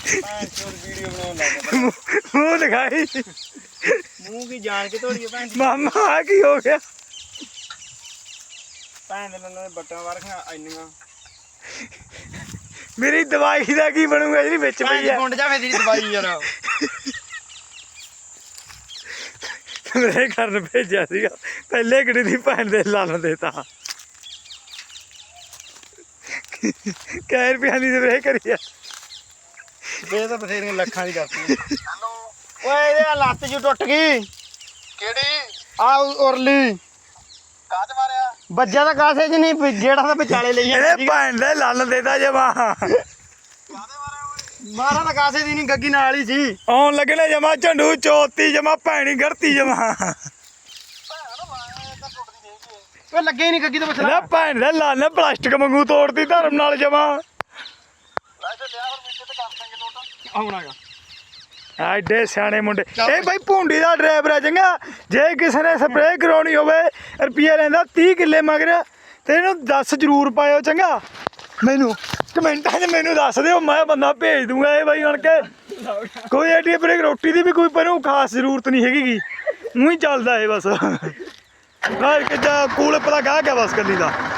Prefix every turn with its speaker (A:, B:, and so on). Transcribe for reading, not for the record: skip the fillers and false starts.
A: video बनाने
B: मुंह दिखाई
A: मुंह की जान के तोड़ी भैन
B: मामा आ की हो गया
A: भैन ने बट्टा वारखा इन्नियां
B: मेरी दवाई का की बनूगा जी बिच पई है
A: गुंड जावे तेरी दवाई यार
B: मेरे घर भेजा सीगा पहले गड्डी दी भैन दे लाल देता कै रुपया दी स्प्रे करी है
A: बे तो बथेरियां लखां दी करती हेलो ओए ये लत्त जी टुट गई केड़ी आ उरली काज मारिया बज्जा दा कासे च नहीं जेड़ा दा विचाले ले
B: ए भैन दे लाल देता जमा
A: मारा दा कासे दी नहीं गग्गी नाल ही सी
B: आउन लगने जमा झंडू चौथी जमा भैनी गड़ती जमा
A: ओए लगे ही नहीं गग्गी तो
B: ना भैन दे लाल ने प्लास्टिक वांगू तोड़ती धर्म नाल जमा एडे सियाने मुंडे ए भाई भूंडी दा ड्राइवर है चंगा जे किसी ने स्प्रे करानी होवे रुपया लैंदा 30 किले मगर ते इहनूं दस जरूर पायो चंगा मैनू कमेंटां च मैनू दस दिओ मैं बंदा भेज दूंगा ए भाई बन के कोई एडी ब्रेक रोटी दी भी कोई पर खास जरूरत नहीं हैगी ऊँ ही चलदा है बस कूल पता गाह क्या बस कली दा